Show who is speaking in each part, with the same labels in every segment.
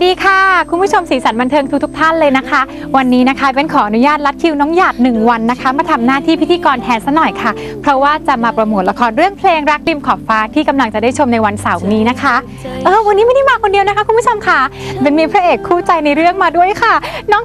Speaker 1: ดีค่ะคุณผู้ชมสีสันบันเทิงทุกท่านเลยนะคะวันนี้นะคะเป็นขออนุญาตลัดคิวน้องหยาด1 วันนะคะมาทำหน้าที่พิธีกรแทนซะหน่อยค่ะเพราะว่าจะมาโปรโมทละครเรื่องเพลงรักริมขอบฟ้าที่กำลังจะได้ชมในวันเสาร์นี้นะคะวันนี้ไม่ได้มาคนเดียวนะคะคุณผู้ชมค่ะเป็นมีพระเอกคู่ใจในเรื่องมาด้วยค่ะน้อง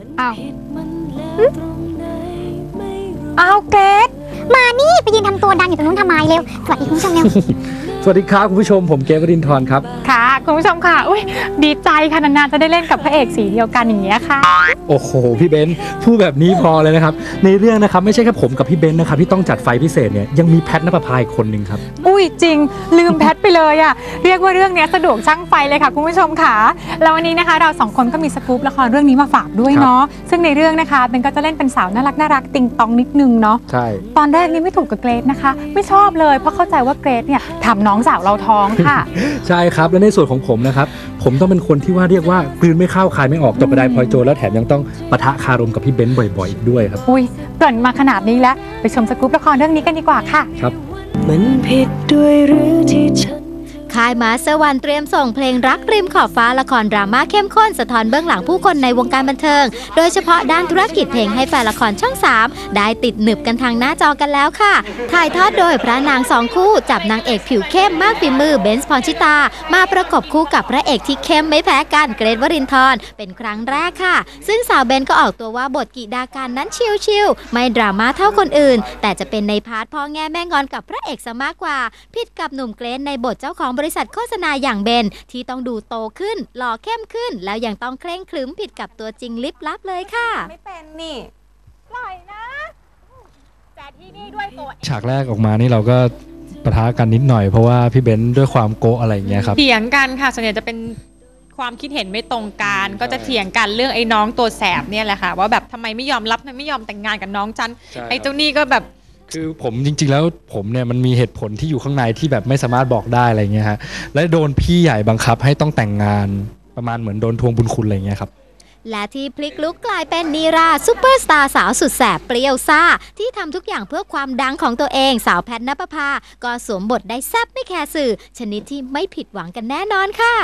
Speaker 1: เกรซ
Speaker 2: มานี่ไปยืนทำตัวดังอยู่ตรงนู้นทำไมเร็วสวัสดีคุณผู้ชมเร็ว
Speaker 3: สวัสดีครับคุณผู้ชมผมเกรซ วรินทร์ครับ
Speaker 1: ค่ะคุณผู้ชมค่ะดีใจค่ะนานๆจะได้เล่นกับพระเอกสีเดียวกันอย่างเงี้ยค่ะ
Speaker 3: โอ้โหพี่เบนซ์พูดแบบนี้พอเลยนะครับในเรื่องนะครับไม่ใช่แค่ผมกับพี่เบนซ์นะครับที่ต้องจัดไฟพิเศษเนี่ยยังมีแพทณปภาอีกคนนึงครับ
Speaker 1: จริงลืมแพทไปเลยอ่ะเรียกว่าเรื่องนี้สะดวกช่างไฟเลยค่ะคุณผู้ชมค่ะแล้ววันนี้นะคะเรา2 คนก็มีสกู๊ปละครเรื่องนี้มาฝากด้วยเนาะซึ่งในเรื่องนะคะเบนก็จะเล่นเป็นสาวน่ารักติงตองนิดนึงเนาะ
Speaker 3: ใช่
Speaker 1: ตอนแรกนี่ไม่ถูกกับเกรซนะคะไม่ชอบเลยเพราะเข้าใจว่าเกรซเนี่ยทำน้องสาวเราท้องค่ะ
Speaker 3: ใช่ครับและในส่วนของผมนะครับผมต้องเป็นคนที่ว่าเรียกว่ากลืนไม่เข้าคายไม่ออกตกกระไดพลอยโจรแล้วแถมยังต้องปะทะคารมกับพี่เบนซ์บ่อยๆอีกด้วยครับ
Speaker 1: เกริ่นมาขนาดนี้แล้วไปชมสกู๊ปละครเรื่องนี้กันดีกว่าค่ะ
Speaker 3: ครับ
Speaker 4: มันผิดด้วยหรือที่ฉัน
Speaker 5: ค่ายมาสเตอร์วันเตรียมส่งเพลงรักริมขอบฟ้าละครดราม่าเข้มข้นสะท้อนเบื้องหลังผู้คนในวงการบันเทิงโดยเฉพาะด้านธุรกิจเพลงให้แฟนละครช่อง3ได้ติดหนึบกันทางหน้าจอกันแล้วค่ะถ่ายทอดโดยพระนาง2 คู่จับนางเอกผิวเข้มมากฝีมือเบนซ์ พรชิตามาประกบคู่กับพระเอกที่เข้มไม่แพ้กันเกรซ วรินทร์เป็นครั้งแรกค่ะซึ่งสาวเบนก็ออกตัวว่าบทกิดาการนั้นชิลๆไม่ดราม่าเท่าคนอื่นแต่จะเป็นในพาร์ทพ่อแง่แม่งอนกับพระเอกซะมากกว่าผิดกับหนุ่มเกรซในบทเจ้าของบริษัทโฆษณาอย่างเบนที่ต้องดูโตขึ้นหล่อเข้มขึ้นแล้วยังต้องเคร่งครึ้มผิดกับตัวจริงลิบลับเลยค่ะ
Speaker 1: ไม่เป็นนี่ปล่อยนะแต่ที่นี่ด้วยตัว
Speaker 3: ฉากแรกออกมานี่เราก็ปะทะกันนิดหน่อยเพราะว่าพี่เบนซ์ด้วยความโกะอะไรอย่างเงี้ยครับ
Speaker 6: เถียงกันค่ะส่วนใหญ่จะเป็นความคิดเห็นไม่ตรงกันก็จะเถียงกันเรื่องไอ้น้องตัวแสบเนี่ยแหละค่ะว่าแบบทำไมไม่ยอมรับไม่ยอมแต่งงานกับน้องฉันไอ้เจ้านี่ก็แบบ
Speaker 3: คือผมจริงๆแล้วผมเนี่ยมันมีเหตุผลที่อยู่ข้างในที่แบบไม่สามารถบอกได้อะไรเงี้ยฮะและโดนพี่ใหญ่บังคับให้ต้องแต่งงานประมาณเหมือนโดนทวงบุญคุณอะไรเงี้ยครับ
Speaker 5: และที่พลิกลุกกลายเป็นนีราซุปเปอร์สตาร์สาวสุดแสบเปรี้ยวซ่าที่ทำทุกอย่างเพื่อความดังของตัวเองสาวแพทณปภาก็สวมบทได้แซ่บไม่แคร์สื่อชนิดที่ไม่ผิดหวังกันแน่นอนค่ะ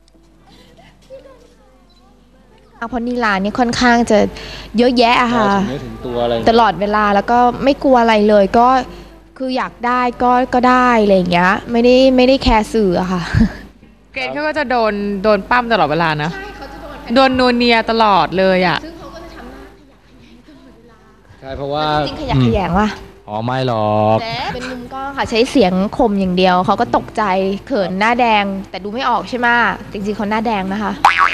Speaker 7: เพราะนีราเนี่ยค่อนข้างจะเยอะแยะอะค่ะตลอดเวลาแล้วก็ไม่กลัวอะไรเลยก็คืออยากได้ก็ได้อะไรอย่างเงี้ยไม่ได้แคร์สื่ออะค่ะ
Speaker 6: เกรซเขาก็จะโดนปั้มตลอดเวลานะโดนนัวเนียตลอดเลยอะ
Speaker 7: ซึ่งเขาก็จะทำหน้าขยะแขยงตลอดเวลา
Speaker 3: ใช่เพราะว่า
Speaker 7: จริงขยะแขยงว่ะ
Speaker 3: ไม่หรอก
Speaker 7: เป็นมุมกล้องค่ะใช้เสียงข่มอย่างเดียวเขาก็ตกใจเขินหน้าแดงแต่ดูไม่ออกใช่ไหมจริงๆเขาหน้าแดงนะคะ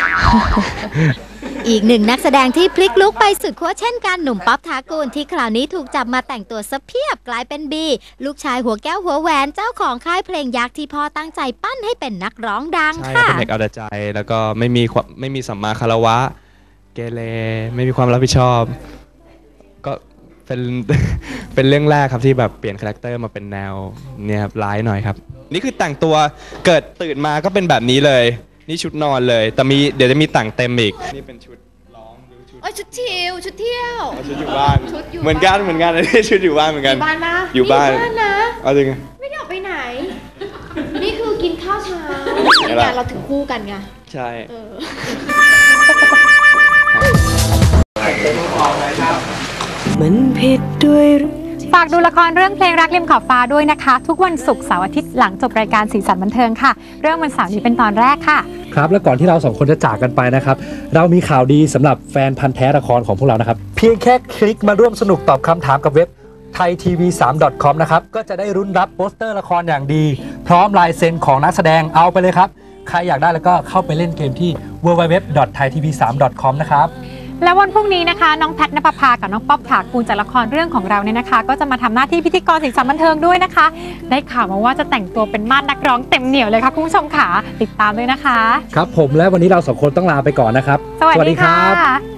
Speaker 5: อีกหนึ่งนักแสดงที่พลิกลุกไปสุดขั้วเช่นกันหนุ่มป๊อปถากูลที่คราวนี้ถูกจับมาแต่งตัวซะเพียบกลายเป็นบีลูกชายหัวแก้วหัวแหวนเจ้าของค่ายเพลงยักษ์ที่พ่อตั้งใจปั้นให้เป็นนักร้องดังค่ะ
Speaker 8: เป็นเด็กเอาแต่ใจแล้วก็ไม่มีสัมมาคารวะเกเรไม่มีความรับผิดชอบก็เป็นเรื่องแรกครับที่แบบเปลี่ยนคาแรคเตอร์มาเป็นแนวเนี่ยครับร้ายหน่อยครับนี่คือแต่งตัวเกิดตื่นมาก็เป็นแบบนี้เลยนี่ชุดนอนเลยแต่เดี๋ยวจะมีแต่งเต็มอีกนี่เป็นชุดร้องหรือ
Speaker 7: ชุดเที่ยวชุด
Speaker 8: อยู่บ้านเหมือนกันนี่ชุดอยู่บ้านเหมือนกัน
Speaker 7: อยู่บ้านนะ
Speaker 8: อยู่บ้านนะเอาจริง
Speaker 7: ไม่ได้ออกไปไหนนี่คือกินข้าวเช้าเนี่ยเราถึงคู่กันไง
Speaker 8: ใช่
Speaker 4: มันผิดด้วย
Speaker 1: ฝากดูละครเรื่องเพลงรักริมขอบฟ้าด้วยนะคะทุกวันศุกร์เสาร์อาทิตย์หลังจบรายการสีสันบันเทิงค่ะเรื่องวันเสาร์นี้เป็นตอนแรกค่ะ
Speaker 3: ครับและก่อนที่เรา2 คนจะจากกันไปนะครับเรามีข่าวดีสำหรับแฟนพันธ์แท้ละครของพวกเรานะครับเพียงแค่คลิกมาร่วมสนุกตอบคำถามกับเว็บ thaitv3.com นะครับก็จะได้รุ้นรับโปสเตอร์ละครอย่างดีพร้อมลายเซ็นของนักแสดงเอาไปเลยครับใครอยากได้แล้วก็เข้าไปเล่นเกมที่ www.thaitv3.com นะครับ
Speaker 1: และวันพรุ่งนี้นะคะน้องแพทณปภากับน้องป๊อปถากูลจากละครเรื่องของเราเนี่ยนะคะก็จะมาทำหน้าที่พิธีกรสีสันบันเทิงด้วยนะคะได้ข่าวมาว่าจะแต่งตัวเป็นมาดนักร้องเต็มเหนียวเลยค่ะคุณผู้ชมค่ะติดตามด้วยนะคะ
Speaker 3: ครับผมและวันนี้เรา2 คนต้องลาไปก่อนนะครับ
Speaker 1: สวัสดีค่ะ